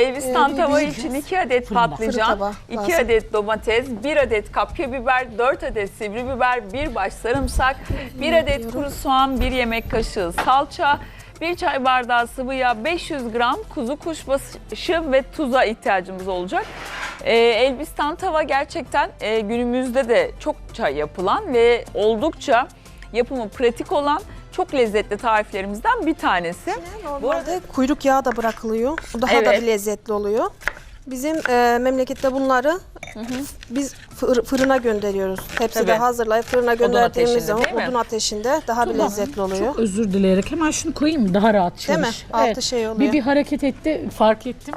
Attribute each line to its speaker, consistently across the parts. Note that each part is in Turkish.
Speaker 1: Elbistan tava
Speaker 2: büyük
Speaker 1: için 2 adet
Speaker 2: fırın
Speaker 1: patlıcan,
Speaker 2: tava
Speaker 1: 2
Speaker 2: lazım.
Speaker 1: adet domates, 1 adet kapya biber, 4 adet sivri biber, 1 baş sarımsak, 1 adet kuru soğan, 1 yemek kaşığı salça, 1 çay bardağı sıvı yağ, 500 gram kuzu kuşbaşı ve tuza ihtiyacımız olacak. Elbistan tava gerçekten günümüzde de çokça yapılan ve oldukça yapımı pratik olan çok lezzetli tariflerimizden bir tanesi.
Speaker 2: Normalde kuyruk yağı da bırakılıyor. Bu daha da
Speaker 1: Evet.
Speaker 2: bir lezzetli oluyor. Bizim memlekette bunları biz fırına gönderiyoruz. Tepside
Speaker 1: Tabii.
Speaker 2: hazırlayıp fırına gönderdiğimiz
Speaker 1: ateşinde,
Speaker 2: zaman
Speaker 1: değil mi?
Speaker 2: odun ateşinde daha bir lezzetli oluyor.
Speaker 3: Çok özür dileyerek hemen şunu koyayım mı? Daha rahat
Speaker 2: Değil mi?
Speaker 3: çalış.
Speaker 2: Altı şey oluyor.
Speaker 3: Bir hareket etti, fark ettim.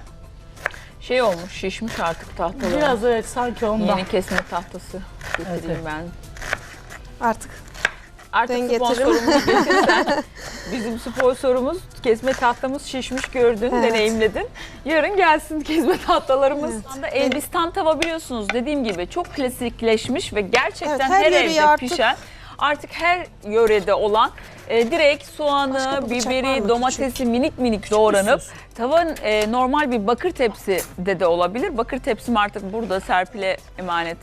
Speaker 1: Şey olmuş, şişmiş artık tahtaları.
Speaker 3: Biraz evet sanki ondan.
Speaker 1: Yeni kesme tahtası getireyim
Speaker 3: Evet.
Speaker 1: ben.
Speaker 2: Artık
Speaker 1: Artık
Speaker 2: Ben getiririm.
Speaker 1: sponsorumuzu getirsen. Bizim sponsorumuz kesme tahtamız şişmiş gördün,
Speaker 2: Evet.
Speaker 1: deneyimledin. Yarın gelsin kesme tahtalarımız. Şu anda Elbistan tava biliyorsunuz dediğim gibi çok klasikleşmiş ve gerçekten
Speaker 2: Evet,
Speaker 1: her
Speaker 2: her yöreye
Speaker 1: evde
Speaker 2: artık-
Speaker 1: pişen, artık her yörede olan direkt
Speaker 2: Başka
Speaker 1: soğanı,
Speaker 2: bir bıçak var
Speaker 1: biberi,
Speaker 2: mı?
Speaker 1: domatesi minik minik doğranıp
Speaker 3: sos.
Speaker 1: tavanın normal bir bakır tepside de olabilir. Bakır tepsim artık burada Serpil'e emanet.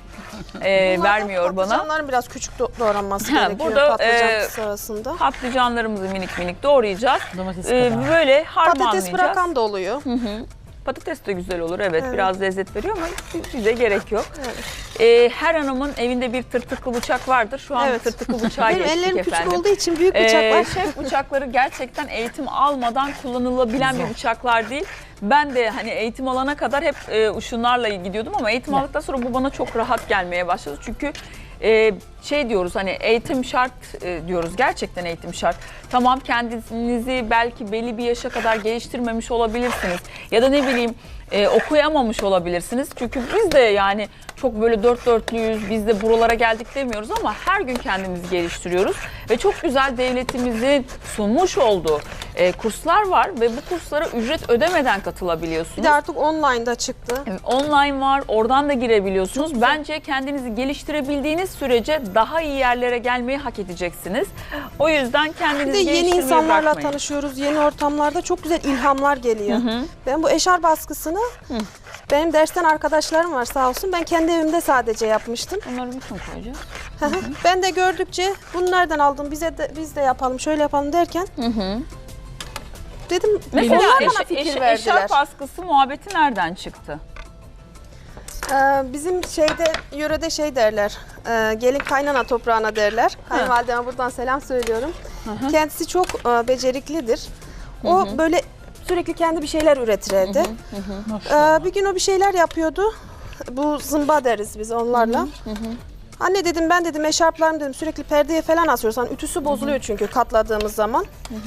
Speaker 1: Vermiyor bana.
Speaker 2: Patlıcanların biraz küçük doğranması
Speaker 1: Ha,
Speaker 2: gerekiyor
Speaker 1: burada,
Speaker 2: patlıcan sırasında.
Speaker 1: Patlıcanlarımızı minik minik doğrayacağız.
Speaker 3: Domates kadar.
Speaker 1: Böyle harmanlayacağız.
Speaker 2: Patates bırakan da oluyor.
Speaker 1: Patates de güzel olur evet,
Speaker 2: Evet.
Speaker 1: biraz lezzet veriyor ama bize gerek yok. Her hanımın evinde bir tırtıklı bıçak vardır. Şu an
Speaker 2: Evet.
Speaker 1: tırtıklı bıçağa
Speaker 2: Benim
Speaker 1: geçtik
Speaker 2: ellerim
Speaker 1: efendim.
Speaker 2: küçük olduğu için büyük bıçaklar.
Speaker 1: Şef bıçakları gerçekten eğitim almadan kullanılabilen bir bıçaklar değil. Ben de hani eğitim alana kadar hep şunlarla gidiyordum ama eğitim aldıktan sonra bu bana çok rahat gelmeye başladı. Çünkü şey diyoruz hani eğitim şart diyoruz, gerçekten eğitim şart. Tamam, kendinizi belki belli bir yaşa kadar geliştirmemiş olabilirsiniz ya da ne bileyim okuyamamış olabilirsiniz. Çünkü biz de yani çok böyle dört dörtlüyüz, biz de buralara geldik demiyoruz ama her gün kendimizi geliştiriyoruz. Ve çok güzel devletimizin sunmuş olduğu kurslar var ve bu kurslara ücret ödemeden katılabiliyorsunuz.
Speaker 2: Bir de artık online'da çıktı.
Speaker 1: Online var, oradan da girebiliyorsunuz. Bence kendinizi geliştirebildiğiniz sürece daha iyi yerlere gelmeyi hak edeceksiniz. O yüzden
Speaker 2: Bir
Speaker 1: kendinizi
Speaker 2: de yeni
Speaker 1: geliştirmeyi
Speaker 2: insanlarla
Speaker 1: bırakmayın.
Speaker 2: tanışıyoruz. Yeni ortamlarda çok güzel ilhamlar geliyor. Ben bu eşarp baskısını benim dersten arkadaşlarım var sağ olsun. Ben kendi evimde sadece yapmıştım.
Speaker 1: Onları bütün koyacağız.
Speaker 2: Ben de gördükçe bunu nereden aldın? Biz de yapalım, şöyle yapalım derken dedim
Speaker 1: Mesela
Speaker 2: onlar bana fikir verdiler.
Speaker 1: eşarp askısı muhabbeti nereden çıktı?
Speaker 2: Bizim yörede şey derler, gelin kaynana toprağına derler. Kayınvalideme buradan selam söylüyorum. Kendisi çok beceriklidir. O böyle sürekli kendi bir şeyler üretir evde. Bir gün o bir şeyler yapıyordu. Bu zımba deriz biz onlarla. Anne dedim, ben dedim eşarplarım dedim sürekli perdeye falan asıyoruz. Hani ütüsü bozuluyor çünkü katladığımız zaman.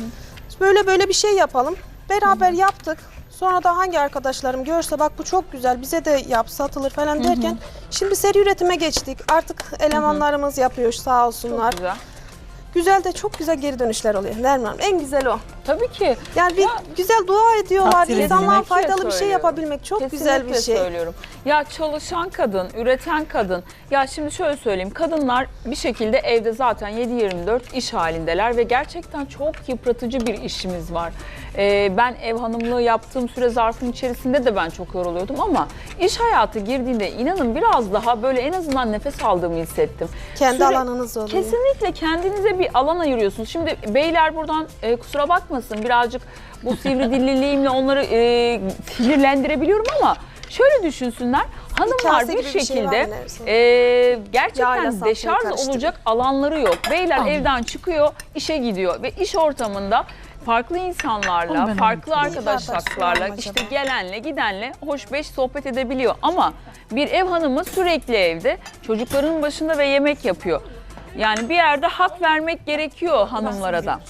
Speaker 2: Böyle bir şey yapalım. Beraber yaptık. Sonra da hangi arkadaşlarım görse bak bu çok güzel bize de yap satılır falan derken şimdi seri üretime geçtik. Artık elemanlarımız yapıyor sağ olsunlar.
Speaker 1: Çok güzel.
Speaker 2: Güzel de çok güzel geri dönüşler oluyor. Nermin Hanım en güzel o.
Speaker 1: Tabii ki.
Speaker 2: Yani bir güzel dua ediyorlar.
Speaker 3: Takdir
Speaker 2: İnsanlara
Speaker 3: edilmek
Speaker 2: faydalı bir şey
Speaker 1: söylüyorum.
Speaker 2: yapabilmek çok güzel bir
Speaker 1: Kesinlikle
Speaker 2: şey.
Speaker 1: söylüyorum. Ya çalışan kadın, üreten kadın. Ya şimdi şöyle söyleyeyim. Kadınlar bir şekilde evde zaten 7/24 iş halindeler ve gerçekten çok yıpratıcı bir işimiz var. Ben ev hanımlığı yaptığım süre zarfının içerisinde de ben çok yoruluyordum ama iş hayatı girdiğinde inanın biraz daha böyle en azından nefes aldığımı hissettim.
Speaker 2: Kendi alanınız oluyor.
Speaker 1: Kesinlikle kendinize bir alan ayırıyorsunuz. Şimdi beyler buradan kusura bakmasın birazcık bu sivri dilliliğimle onları sinirlendirebiliyorum ama şöyle düşünsünler. Hanımlar
Speaker 2: kase
Speaker 1: bir
Speaker 2: gibi bir şey
Speaker 1: şekilde
Speaker 2: var mı Nersin?
Speaker 1: gerçekten
Speaker 2: Yağıyla salçayı
Speaker 1: deşarj
Speaker 2: karıştırın.
Speaker 1: olacak alanları yok. Beyler
Speaker 3: Anladım.
Speaker 1: evden çıkıyor, işe gidiyor ve iş ortamında farklı
Speaker 3: Onu
Speaker 1: insanlarla,
Speaker 3: ben
Speaker 1: farklı
Speaker 3: unuttum.
Speaker 1: arkadaşlarla,
Speaker 2: Acaba?
Speaker 1: işte gelenle, gidenle hoş beş sohbet edebiliyor. Ama bir ev hanımı sürekli evde, çocukların başında ve yemek yapıyor. Yani bir yerde hak vermek gerekiyor hanımlara da.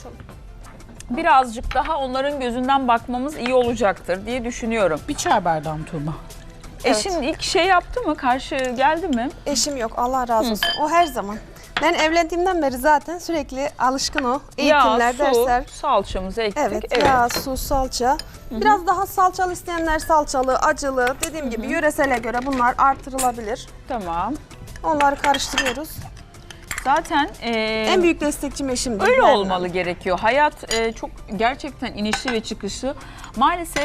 Speaker 1: Birazcık daha onların gözünden bakmamız iyi olacaktır diye düşünüyorum.
Speaker 3: Bir çay bardağım Tuğba.
Speaker 1: Eşin ilk şey yaptı mı? Karşı geldi mi?
Speaker 2: Eşim yok Allah razı olsun. O her zaman. Ben evlendiğimden beri zaten sürekli alışkın o. Eğitimler,
Speaker 1: Yağ, su,
Speaker 2: dersler.
Speaker 1: salçamızı ektik.
Speaker 2: Evet, yağ, su, salça. Biraz daha salçalı isteyenler salçalı, acılı. Dediğim gibi yöresele göre bunlar artırılabilir.
Speaker 1: Tamam.
Speaker 2: Onları karıştırıyoruz.
Speaker 1: Zaten
Speaker 2: En büyük destekçim eşimdir.
Speaker 1: öyle
Speaker 2: Berna.
Speaker 1: olmalı gerekiyor. Hayat çok gerçekten inişli ve çıkışlı. Maalesef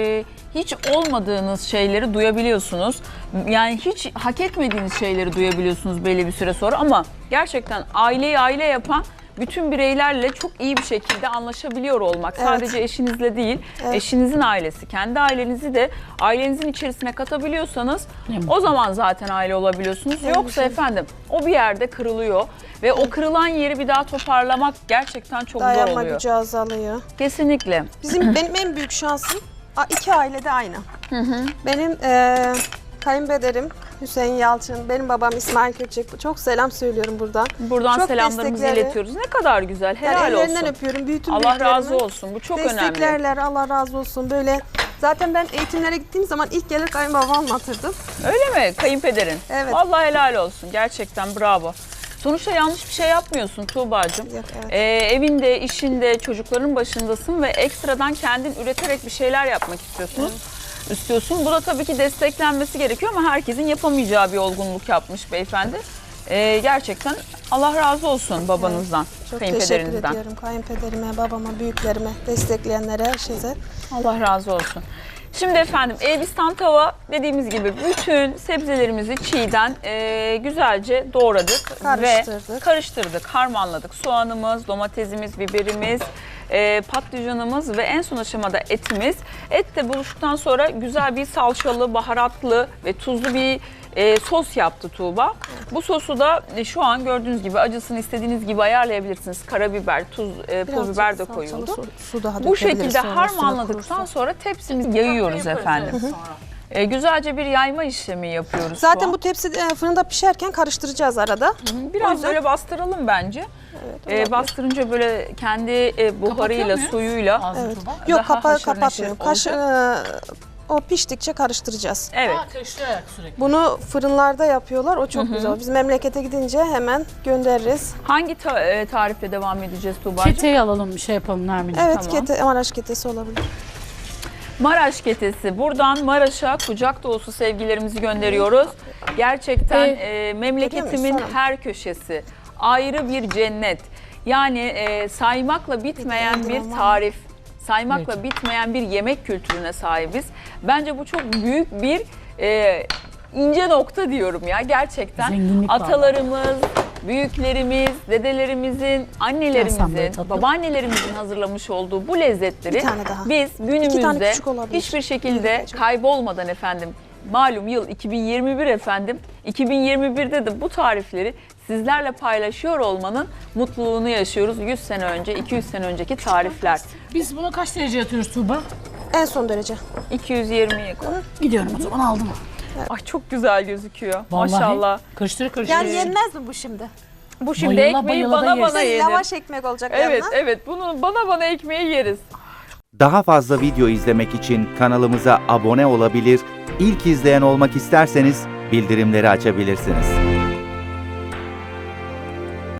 Speaker 1: hiç olmadığınız şeyleri duyabiliyorsunuz. Yani hiç hak etmediğiniz şeyleri duyabiliyorsunuz belli bir süre sonra ama gerçekten aileyi aile yapan bütün bireylerle çok iyi bir şekilde anlaşabiliyor olmak.
Speaker 2: Evet.
Speaker 1: Sadece eşinizle değil,
Speaker 2: Evet.
Speaker 1: eşinizin ailesi, kendi ailenizi de ailenizin içerisine katabiliyorsanız
Speaker 3: Ne
Speaker 1: o zaman zaten aile olabiliyorsunuz.
Speaker 2: Evet,
Speaker 1: Yoksa
Speaker 2: evet.
Speaker 1: efendim o bir yerde kırılıyor ve o kırılan yeri bir daha toparlamak gerçekten çok zor
Speaker 2: Dayanma
Speaker 1: oluyor.
Speaker 2: gücü azalıyor.
Speaker 1: Kesinlikle.
Speaker 2: Benim en büyük şansım iki ailede aynı. Benim kayınpederim Hüseyin Yalçın, benim babam İsmail Köçek. Çok selam söylüyorum buradan.
Speaker 1: Buradan
Speaker 2: Çok
Speaker 1: selamlarımızı
Speaker 2: destekleri-
Speaker 1: iletiyoruz. Ne kadar güzel.
Speaker 2: Yani
Speaker 1: Helal
Speaker 2: ellerinden
Speaker 1: olsun.
Speaker 2: öpüyorum. Bütün
Speaker 1: Allah
Speaker 2: büyüklerimi
Speaker 1: razı olsun. Bu çok önemli.
Speaker 2: desteklerler. Allah razı olsun. Böyle zaten ben eğitimlere gittiğim zaman ilk gelir kayınbabamı anlatırdım.
Speaker 1: Öyle mi? Kayınpederin.
Speaker 2: Evet.
Speaker 1: Vallahi helal olsun. Gerçekten bravo. Sonuçta yanlış bir şey yapmıyorsun Tuğba'cığım.
Speaker 2: Yok, evet.
Speaker 1: Evinde, işinde, çocukların başındasın ve ekstradan kendin üreterek bir şeyler yapmak istiyorsun. Bu da tabii ki desteklenmesi gerekiyor ama herkesin yapamayacağı bir olgunluk yapmış beyefendi. Gerçekten Allah razı olsun babanızdan,
Speaker 2: Çok teşekkür
Speaker 1: kayınpederinizden.
Speaker 2: ediyorum kayınpederime, babama, büyüklerime, destekleyenlere, herkese.
Speaker 1: Allah razı olsun. Şimdi efendim Elbistan tava dediğimiz gibi bütün sebzelerimizi çiğden güzelce doğradık
Speaker 2: Karıştırdık.
Speaker 1: ve karıştırdık, harmanladık. Soğanımız, domatesimiz, biberimiz, patlıcanımız ve en son aşamada etimiz. Et de buluştuktan sonra güzel bir salçalı, baharatlı ve tuzlu bir sos yaptı Tuğba. Bu sosu da şu an gördüğünüz gibi acısını istediğiniz gibi ayarlayabilirsiniz. Karabiber, tuz, pul biber de
Speaker 2: Salçalı
Speaker 1: koyuldu.
Speaker 2: Su daha
Speaker 1: Bu
Speaker 2: dökebiliriz
Speaker 1: şekilde
Speaker 2: sonra,
Speaker 1: harmanladıktan
Speaker 2: üstüne
Speaker 1: sonra tepsimizi yayıyoruz efendim. Güzelce bir yayma işlemi yapıyoruz şu
Speaker 2: Zaten
Speaker 1: an.
Speaker 2: bu tepsi fırında pişerken karıştıracağız arada. O
Speaker 1: Biraz
Speaker 2: yüzden-
Speaker 1: böyle bastıralım bence.
Speaker 2: olabilir.
Speaker 1: Bastırınca böyle kendi buharıyla,
Speaker 3: Kapatıyor muyuz?
Speaker 1: suyuyla.
Speaker 3: Ağzını
Speaker 2: Evet.
Speaker 3: Tuğba.
Speaker 2: Yok
Speaker 1: Daha haşır
Speaker 2: kapatmıyorum.
Speaker 1: neşir olacak.
Speaker 2: O piştikçe karıştıracağız.
Speaker 1: Evet.
Speaker 3: Karıştırarak sürekli.
Speaker 2: Bunu fırınlarda yapıyorlar. O çok güzel. Biz memlekete gidince hemen göndeririz.
Speaker 1: Hangi tarifle devam edeceğiz Tuğba'cığım?
Speaker 3: Keteyi alalım bir şey yapalım Nermin.
Speaker 2: Evet,
Speaker 1: Tamam.
Speaker 2: Maraş ketesi olabilir.
Speaker 1: Maraş ketesi. Buradan Maraş'a kucak dolusu sevgilerimizi gönderiyoruz. Gerçekten memleketimin
Speaker 2: Sonra.
Speaker 1: her köşesi ayrı bir cennet. Yani saymakla bitmeyen bir tarif, saymakla bitmeyen bir yemek kültürüne sahibiz. Bence bu çok büyük bir ince nokta diyorum ya gerçekten.
Speaker 3: Zenginlik var.
Speaker 1: Atalarımız, büyüklerimiz, dedelerimizin,
Speaker 3: Sen
Speaker 1: annelerimizin,
Speaker 3: böyle tatlı.
Speaker 1: babaannelerimizin hazırlamış olduğu bu lezzetleri
Speaker 2: Bir tane daha.
Speaker 1: biz
Speaker 2: İki tane
Speaker 1: günümüzde
Speaker 2: küçük olabilir.
Speaker 1: hiçbir şekilde
Speaker 2: Evet.
Speaker 1: kaybolmadan efendim, malum yıl 2021 efendim, 2021'de de bu tarifleri sizlerle paylaşıyor olmanın mutluluğunu yaşıyoruz. 100 sene önce, 200 sene önceki tarifler.
Speaker 3: Biz bunu kaç dereceye atıyoruz Tuğba?
Speaker 2: En son derece.
Speaker 1: 220'ye koy.
Speaker 3: Gidiyorum o zaman aldım.
Speaker 1: Ay çok güzel gözüküyor.
Speaker 3: Vallahi.
Speaker 1: Maşallah.
Speaker 3: Karıştır.
Speaker 2: Yani yenmez mi bu şimdi?
Speaker 1: Bu şimdi
Speaker 3: Bayıla
Speaker 1: ekmeği
Speaker 3: bayıla da
Speaker 1: bana
Speaker 3: yeriz.
Speaker 1: yenir.
Speaker 2: Lavaş ekmek olacak
Speaker 1: Evet,
Speaker 2: yanına.
Speaker 1: evet. Bunu bana ekmeği yeriz.
Speaker 4: Daha fazla video izlemek için kanalımıza abone olabilir, ilk izleyen olmak isterseniz bildirimleri açabilirsiniz.